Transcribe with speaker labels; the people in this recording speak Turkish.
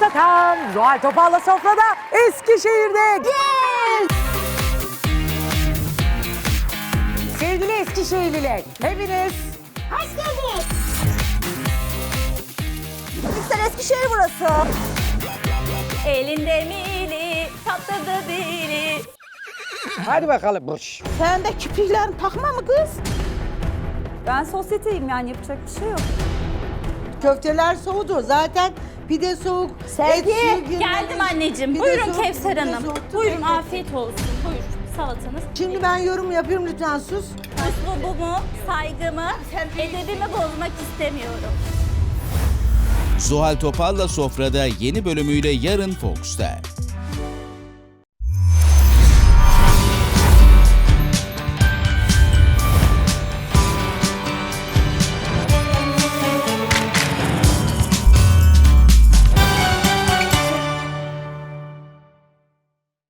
Speaker 1: Tatam! Zuhal Topal'la sofrada Eskişehir'de. Sevgili Eskişehirliler, hepiniz
Speaker 2: Hoş geldiniz. Lütfen Eskişehir burası.
Speaker 3: Elinde mili, tatlıda dili.
Speaker 1: hadi bakalım. Boş.
Speaker 2: Sen de kirpiklerini takma mı kız?
Speaker 3: Ben sosyeteyim yani yapacak bir şey yok.
Speaker 4: Köfteler soğudu. Zaten pide soğuk.
Speaker 2: Sevgi,
Speaker 3: Geldim anneciğim.
Speaker 4: Pide
Speaker 3: Buyurun
Speaker 4: soğuk,
Speaker 3: Kevser
Speaker 4: pide
Speaker 3: Hanım.
Speaker 4: soğuk.
Speaker 3: Buyurun afiyet olsun. Buyur salatanız.
Speaker 4: Şimdi ben yorum yapıyorum, lütfen sus.
Speaker 3: Üslubumu, saygımı, edebimi bozmak istemiyorum.
Speaker 5: Zuhal Topal'la Sofra'da yeni bölümüyle yarın Fox'ta.